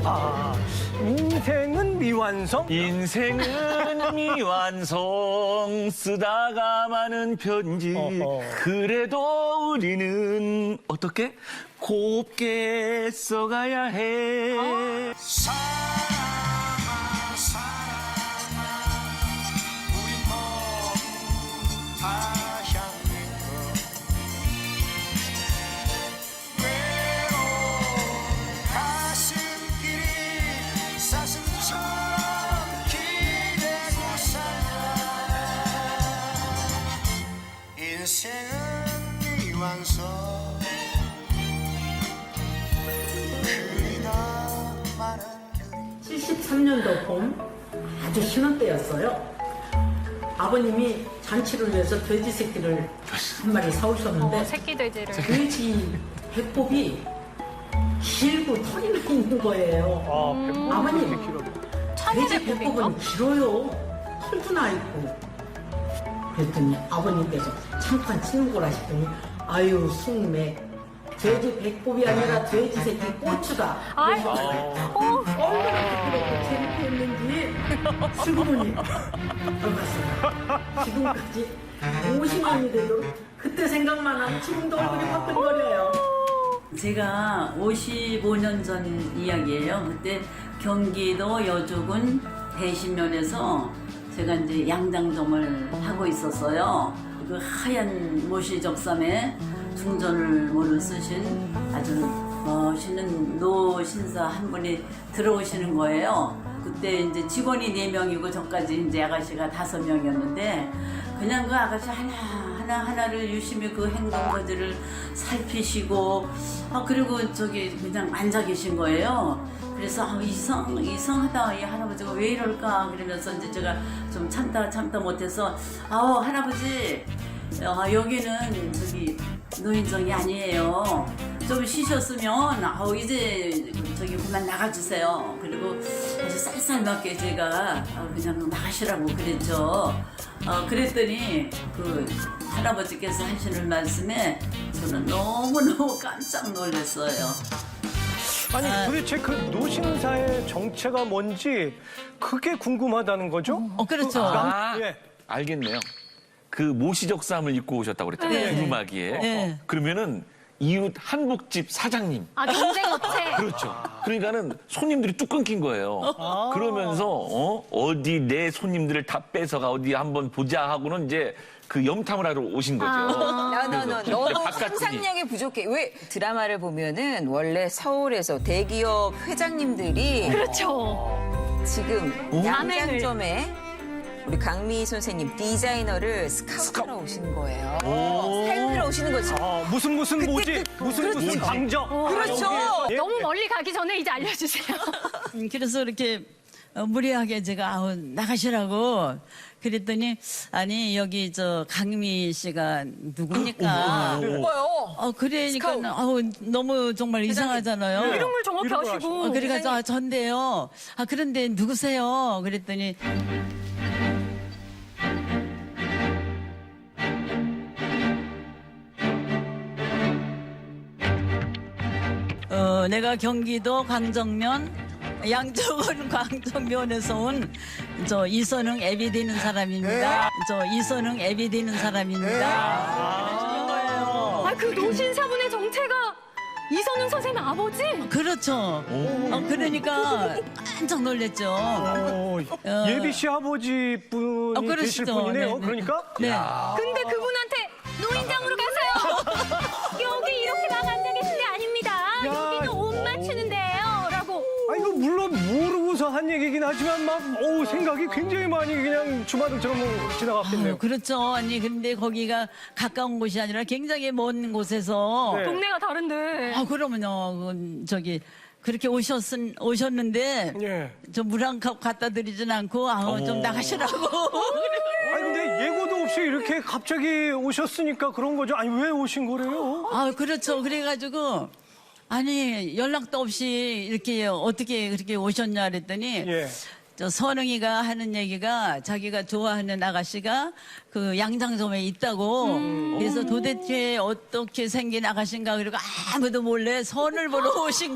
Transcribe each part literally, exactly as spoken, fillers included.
아, 인생은 미완성? 인생은 미완성 쓰다가 많은 편지 어허. 그래도 우리는 어떻게 곱게 써가야 해. 사랑아 사랑아 우리 모두 다 향해 외로운 가슴길이 사슴처럼 기대고 살아 인생은 미완성 칠십삼 년도 봄 아주 심한 때였어요. 아버님이 잔치를 위해서 돼지 새끼를 한 마리 사오셨는데 어, 새끼 돼지를. 돼지 배꼽이 길고 털이 나 있는 거예요. 아, 백분 아버님, 그렇게 길어. 돼지 배꼽은 길어요. 털도 나 있고. 그랬더니 아버님께서 잠깐 치는 거라 싶더니 아유 숙맥 돼지 배꼽이 아니라 돼지 새끼 고추다. 아이고. 어. 얼마나 그렇게 재밌게 했는지 슬그머니 들어갔어요. 지금까지 오십 년이 되도록 그때 생각만 하면 지금도 얼굴이 화끈거려요. 제가 오십오 년 전 이야기예요. 그때 경기도 여주군 대신면에서 제가 이제 양장점을 하고 있었어요. 그 하얀 모시적삼에 중전을모를 쓰신 아주 멋있는 노 신사 한 분이 들어오시는 거예요. 그때 이제 직원이 네 명이고 저까지 이제 아가씨가 다섯 명이었는데 그냥 그 아가씨 하나 하나 하나를 유심히 그 행동거지를 살피시고 아 그리고 저기 그냥 앉아 계신 거예요. 그래서 아, 이상 이상하다 이 할아버지가 왜 이럴까 그러면서 이제 제가 좀 참다 참다 못해서 아우 할아버지 아, 여기는 저기 노인정이 아니에요. 좀 쉬셨으면 아우 이제 저기 그만 나가주세요. 그리고 아주 쌀쌀맞게 제가 그냥 나가시라고 그랬죠. 어, 그랬더니 그 할아버지께서 하시는 말씀에 저는 너무너무 깜짝 놀랐어요. 아니, 아. 도대체 그 노신사의 정체가 뭔지 그게 궁금하다는 거죠? 어 그렇죠. 아, 예. 알겠네요. 그 모시적삼을 입고 오셨다고 그랬잖아요. 네. 두루마기에. 네. 그러면은 이웃 한복집 사장님. 아, 경쟁업체. 그렇죠. 그러니까는 손님들이 뚝 끊긴 거예요. 그러면서 어? 어디 내 손님들을 다 뺏어가 어디 한번 보자 하고는 이제 그 염탐을 하러 오신 거죠. 야, 너, 너, 그래서 너무 바깥분이. 상상력이 부족해. 왜 드라마를 보면은 원래 서울에서 대기업 회장님들이 그렇죠. 지금 오? 양장점에 우리 강미 선생님 디자이너를 스카우트하러 오신 거예요. 오. 사용하러 오시는 거지. 아, 무슨 무슨 뭐지? 무슨 무슨 뭐지? 강정. 그렇죠. 예. 너무 멀리 가기 전에 이제 알려주세요. 음, 그래서 이렇게 어, 무리하게 제가 아우 나가시라고 그랬더니 아니 여기 저 강미 씨가 누굽니까? 뭐요? 어 그러니까 스카우트. 아우 너무 정말 이상하잖아요. 이름을 정확히 이름을 하시고. 어, 그래가지고 아, 전데요. 아 그런데 누구세요? 그랬더니 어 내가 경기도 광정면 양쪽은 광정면에서 온 저 이선흥 애비 되는 사람입니다. 저 이선흥 애비 되는 사람입니다. 아, 그 노신사분의 정체가 이선웅 선생님 아버지? 그렇죠. 어, 그러니까 깜짝 놀랐죠. 오, 예비 씨 아버지 분이 어, 그러시죠. 되실 분이네요. 네, 네. 그러니까 네. 근데 그분한테 노인장으로 가세요. 여기 이렇게 막 앉아 계신 데 아닙니다. 야. 여기는 옷 맞추는데요. 라고. 아, 이거 물론 모르고서 한 얘기긴 하지만 막, 어우, 생각이 굉장히 많이 그냥 주마등처럼 지나갔겠네요. 아유, 그렇죠. 아니 근데 거기가 가까운 곳이 아니라 굉장히 먼 곳에서 네. 동네가 다른데. 아 그러면요 그, 저기 그렇게 오셨은 오셨는데 예. 저 물 한 컵 갖다 드리진 않고 아우 좀 나가시라고. 아니, 근데 예고도 없이 이렇게 갑자기 오셨으니까 그런 거죠. 아니, 왜 오신 거래요? 아 그렇죠. 그래가지고 아니 연락도 없이 이렇게 어떻게 그렇게 오셨냐 그랬더니 예. 저 선웅이가 하는 얘기가 자기가 좋아하는 아가씨가 그 양장점에 있다고. 그래서 도대체 어떻게 생긴 아가씨인가 그리고 아무도 몰래 선을 보러 오신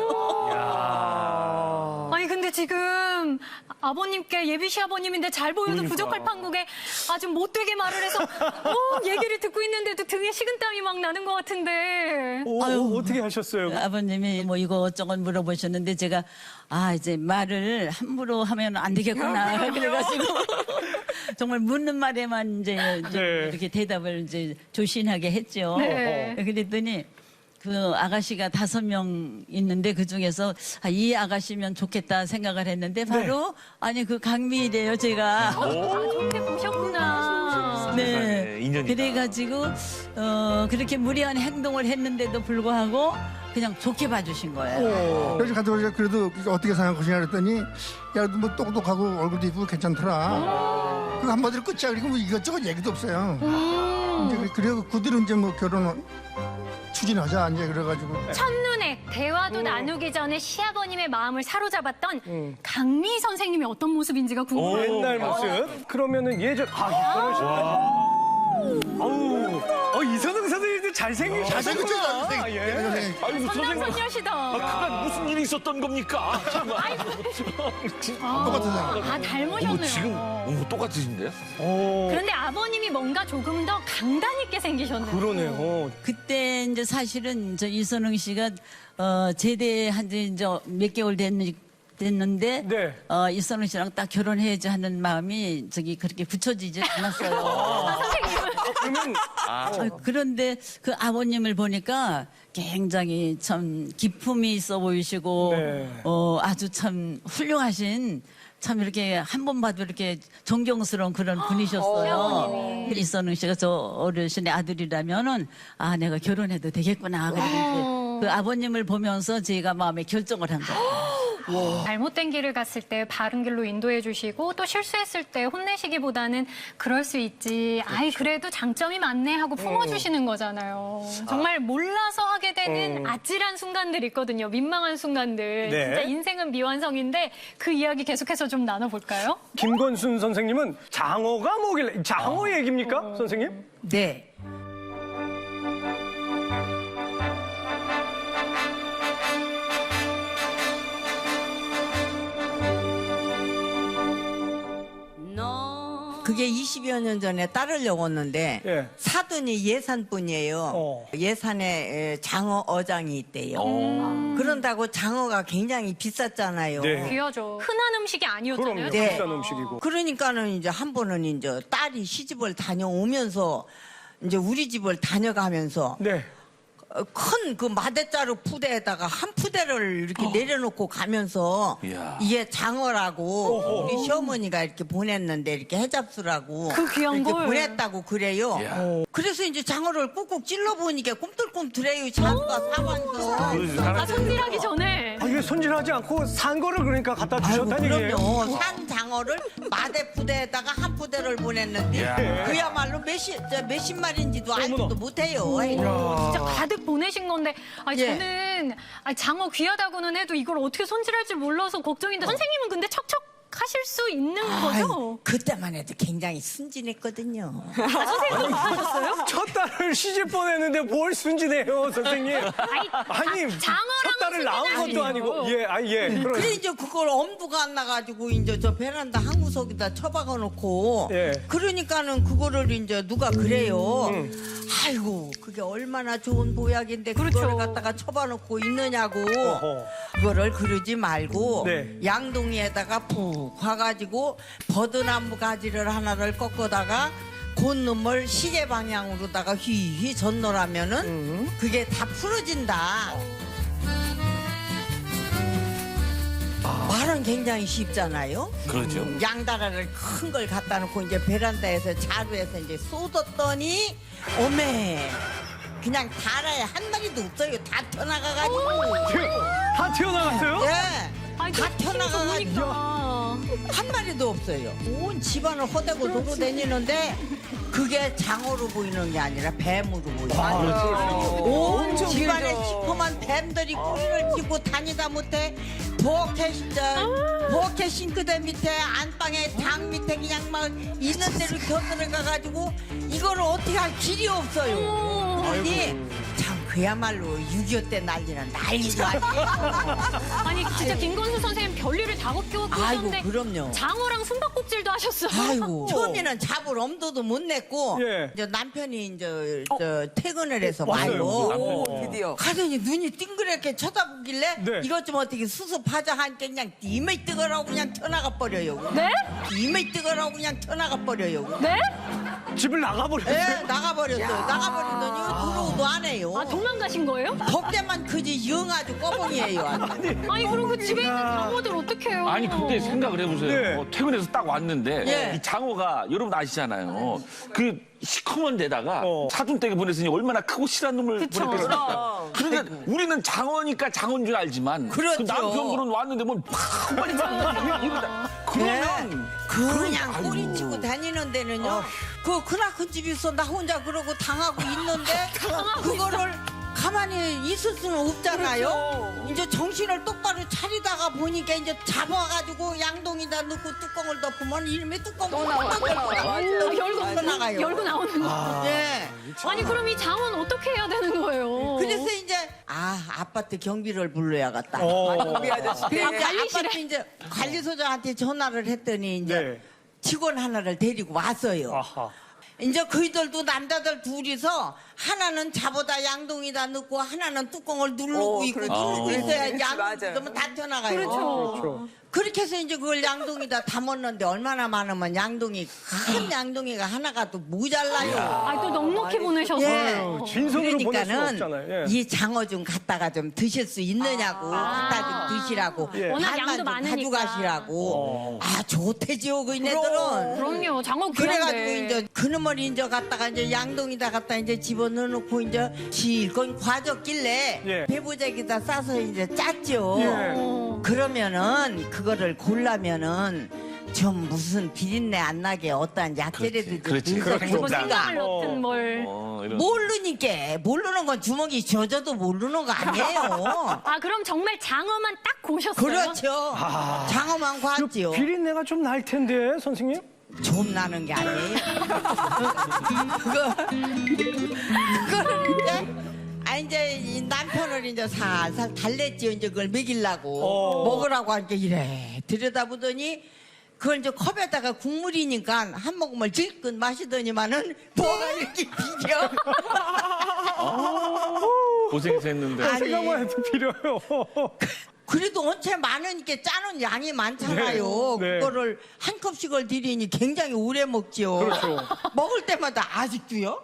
거래요. 아니 근데 지금 아버님께 예비 시아버님인데 잘 보여도 부족할 판국에 아주 못되게 말을 해서 어, 얘기를 듣고 있는데도 등에 식은땀이 막 나는 것 같은데. 오, 오, 어떻게 하셨어요? 아버님이 뭐 이것저것 물어보셨는데 제가 아 이제 말을 함부로 하면 안 되겠구나 그래가지고 정말 묻는 말에만 이제 좀 네. 이렇게 대답을 이제 조신하게 했죠. 네. 그랬더니 그 아가씨가 다섯 명 있는데 그 중에서 아, 이 아가씨면 좋겠다 생각을 했는데 바로 아니 그 강미래요 제가. 아, 좋게 보셨구나. 네. 세상에, 인연이다. 그래가지고 어, 그렇게 무리한 행동을 했는데도 불구하고 그냥 좋게 봐주신 거예요. 그래서 가서 그래도 어떻게 생각할 것이냐 그랬더니 야, 뭐 똑똑하고 얼굴도 이쁘고 괜찮더라. 그 한마디로 끝이야. 그리고 뭐 이것저것 얘기도 없어요. 이제 그- 그래서 그 뒤로 이제 뭐 결혼 추진하자 이제 그래가지고. 첫눈에 대화도 나누기 전에 시아버님의 마음을 사로잡았던 강미 선생님이 어떤 모습인지가 궁금해요. 옛날 모습. 그러면은 예전 아 결혼식. 아우, 어, 이선웅 선생님도 잘생기셨구나. 잘생겼죠, 잘생겼- 예. 아이고, 선생님. 선녀시다. 아, 무슨 일이 있었던 겁니까? 정말. 똑같은 사람. 아, 닮으셨네요. 어머, 지금 어머, 똑같으신데요? 오, 그런데 아버님이 뭔가 조금 더 강단 있게 생기셨네요. 그러네요. 그때 이제 사실은 저 이선웅 씨가 어, 제대한 지 이제 몇 개월 됐, 됐는데 네. 어, 이선웅 씨랑 딱 결혼해야지 하는 마음이 저기 그렇게 굳혀지지 않았어요. 그러면 아, 그런데 그 아버님을 보니까 굉장히 참 기품이 있어 보이시고 네. 어, 아주 참 훌륭하신 참 이렇게 한 번 봐도 이렇게 존경스러운 그런 분이셨어요. 이선웅 씨가 저 어르신의 아들이라면은 아 내가 결혼해도 되겠구나. 그리고 이제 그 아버님을 보면서 제가 마음에 결정을 한 거예요. 잘못된 길을 갔을 때 바른 길로 인도해 주시고 또 실수했을 때 혼내시기보다는 그럴 수 있지. 아이 그래도 장점이 많네 하고 품어주시는 거잖아요. 정말 몰라서 하게 되는 아찔한 순간들 있거든요. 민망한 순간들. 네. 진짜 인생은 미완성인데 그 이야기 계속해서 좀 나눠볼까요? 김건순 선생님은 장어가 뭐길래 장어 얘기입니까, 선생님? 네. 그게 이십여 년 전에 딸을 먹었는데 예. 사돈이 예산뿐이에요. 어. 예산에 에, 장어 어장이 있대요. 그런다고 장어가 굉장히 비쌌잖아요. 네. 귀하죠. 흔한 음식이 아니었잖아요. 그럼요. 네. 비싼 음식이고. 그러니까는 이제 한 번은 이제 딸이 시집을 다녀오면서 이제 우리 집을 다녀가면서 네. 큰 그 마대자루 푸대에다가 한 푸대를 이렇게 내려놓고 가면서 이야. 이게 장어라고 어허. 우리 시어머니가 이렇게 보냈는데 이렇게 해잡수라고 그 귀한 이렇게 걸. 보냈다고 그래요. 이야. 그래서 이제 장어를 꾹꾹 찔러 보니까 꿈틀꿈틀해요. 장어가 사면서. 그러지, 아, 사람들이. 손질하기 전에. 아, 이게 손질하지 않고 산 거를 그러니까 갖다 아이고, 주셨다는 얘기예요. 그럼요. 산 장어를 마대 푸대에다가 한 푸대를 보냈는데 이야. 그야말로 몇십 저 몇십 마리인지도 알지도 못해요. 진짜 가득 보내신 건데, 아니, 예. 저는 아니, 장어 귀하다고는 해도 이걸 어떻게 손질할 줄 몰라서 걱정인데, 선생님은 근데 척척 하실 수 있는 거죠? 아이고, 그때만 해도 굉장히 순진했거든요. 아, 선생님도 못하셨어요? 첫 딸을 시집 보냈는데 뭘 순진해요, 선생님? 아니, 아니, 자- 장어랑은 첫 딸을 낳은 것도 순진하시죠. 아니고. 예, 아, 예. 그럼. 그래 이제 그걸 엄두가 안 나가지고 이제 저 베란다 한 구석에다 처박아 놓고 예. 그러니까는 그거를 이제 누가 그래요. 아이고 그게 얼마나 좋은 보약인데 그거를 그렇죠. 갖다가 처박아 놓고 있느냐고. 어허. 그거를 그러지 말고 네. 양동이에다가 푹 과가지고 버드나무 가지를 하나를 꺾어다가 곤놈을 시계 방향으로다가 휘휘 젓노라면은 그게 다 풀어진다. 말은 굉장히 쉽잖아요. 그렇죠. 음, 양다라를 큰 걸 갖다 놓고 이제 베란다에서 자루에서 이제 쏟았더니 어메 그냥 다라에 한 마리도 없어요. 다 튀어나가가지고. 다 튀어나갔어요? 예. 아니, 다 힘이 튀어나가가지고 좋으니까. 한 마리도 없어요. 온 집안을 허대고 돌고 다니는데 그게 장어로 보이는 게 아니라 뱀으로 보여요. 온 집안에 시커먼 뱀들이 꼬리를 쥐고 다니다 못해 부엌에 저 부엌에 싱크대 밑에 안방에 장 밑에 그냥 막 있는 대로 겨들어가 가지고 이거를 어떻게 할 길이 없어요. 아니 참 그야말로 육이오 때 난리는 난리도 아니에요. 아니 진짜 김건수 선생님 별일을 다 겪고 아이고 계셨는데 그럼요. 장어랑 숨바꼭질도 하셨어요. 아이고 처음에는 잡을 엄두도 못 냈고 예. 이제 남편이 이제 저 퇴근을 해서 왔어요. 와요. 오, 드디어. 가더니 눈이 띵그랗게 쳐다보길래 네. 이것 좀 어떻게 수습하자 하니까 그냥 이메 뜨거라고 그냥 튀어나가 버려요. 네? 이메 뜨거라고 그냥 튀어나가 버려요. 네? 집을 나가버렸어요. 예, 나가버렸어요. 나가버리더니 들어오도 안 해요. 아 도망가신 거예요? 덕대만 크지 영 아주 꺼봉이에요. 아주. 아니 그럼 그 집에 있는 장어들 어떡해요? 아니 근데 생각을 해보세요. 네. 어, 퇴근해서 딱 왔는데 예. 이 장어가 여러분 아시잖아요. 그 시커먼 데다가 어. 사돈댁에 보냈으니 얼마나 크고 실한 놈을 그쵸. 보냈겠습니까? 그런데 우리는 장어니까 장어인 줄 알지만 그렇죠. 그 남편분은 왔는데 뭐팍 빨리 이러다 그러면 그냥 꼬리치고 다니는 데는요. 그 크나큰 집이 있어 나 혼자 그러고 당하고 있는데 그거를 가만히 있을 수는 없잖아요. 이제 정신을 똑바로 차리다가 보니까 이제 잡아가지고 양동이다 넣고 뚜껑을 덮으면 이름이 뚜껑 또 나와. 또 아, 열고 나가요. 열고 나오는 거. 네. 아니 그럼 이 장어는 어떻게 해야 되는 거예요? 그래서 이제 아 아파트 경비를 불러야겠다. 어. 우리 아저씨. 그러니까 관리실에? 아파트 이제 관리소장한테 전화를 했더니 이제 네. 직원 하나를 데리고 왔어요. 아하. 이제 그이들도 남자들 둘이서 하나는 잡아다 양동이다 넣고 하나는 뚜껑을 누르고 어, 있고 그렇죠. 누르고 있어야 그렇지, 양동이 맞아요. 넣으면 다 튀어나가요. 그렇죠. 그렇게 해서 이제 그걸 양동이다 담았는데 얼마나 많으면 양동이 큰 양동이가 하나가 또 모자라요. 아 또 넉넉히 보내셔서. 예. 진선으로 보낼 수는 그러니까는 없잖아요. 예. 이 장어 좀 갖다가 좀 드실 수 있느냐고 갖다 좀 드시라고 예. 워낙 반만 양도 좀 많으니까. 가져가시라고 아 좋대지요 그 이네들은 그럼요 장어 그래가지고 귀한데. 이제 그놈을 이제 갖다가 이제 양동이다 갖다 이제 집어 넣어놓고 이제 실컷 과졌길래 예. 배부작에다 싸서 이제 짰죠. 예. 그러면은 그거를 골라면은 좀 무슨 비린내 안 나게 어떠한 약재라도 좀 그렇지, 넣어서 그렇지. 뭐 줬으니까 생강을 넣든 뭘. 어, 이런. 모르니까 모르는 건 주먹이 젖어도 모르는 거 아니에요. 아 그럼 정말 장어만 딱 고셨어요? 그렇죠. 장어만 과지요. 비린내가 좀 날 텐데, 선생님? 좀 나는 게 아니에요. 그거 그거를 이제 아 이제 이 남편을 이제 살살 달랬지요. 이제 그걸 먹이려고 어. 먹으라고 하니까 이래 들여다보더니 그걸 이제 컵에다가 국물이니까 한 모금을 질끈 마시더니만은 뭐가 이렇게 비려. 고생해서 했는데. 아니. 생각만 해도 필요해요. 그래도 원체 많으니까 짜는 양이 많잖아요. 네, 네. 그거를 한 컵씩을 드리니 굉장히 오래 먹지요. 그렇죠. 먹을 때마다 아직도요?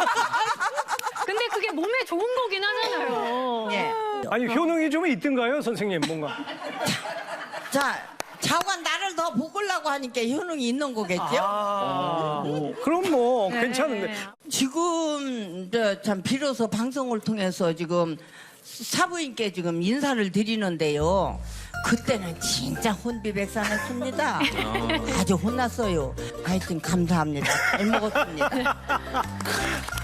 근데 그게 몸에 좋은 거긴 하잖아요. 예. 아니, 효능이 좀 있던가요, 선생님? 뭔가. 자, 자관 나를 더 볶으려고 하니까 효능이 있는 거겠죠? 아, 그럼 뭐, 괜찮은데. 지금 저 참 비로소 방송을 통해서 지금 사부인께 지금 인사를 드리는데요. 그때는 진짜 혼비백산했습니다. 아주 혼났어요. 하여튼 감사합니다. 잘 먹었습니다.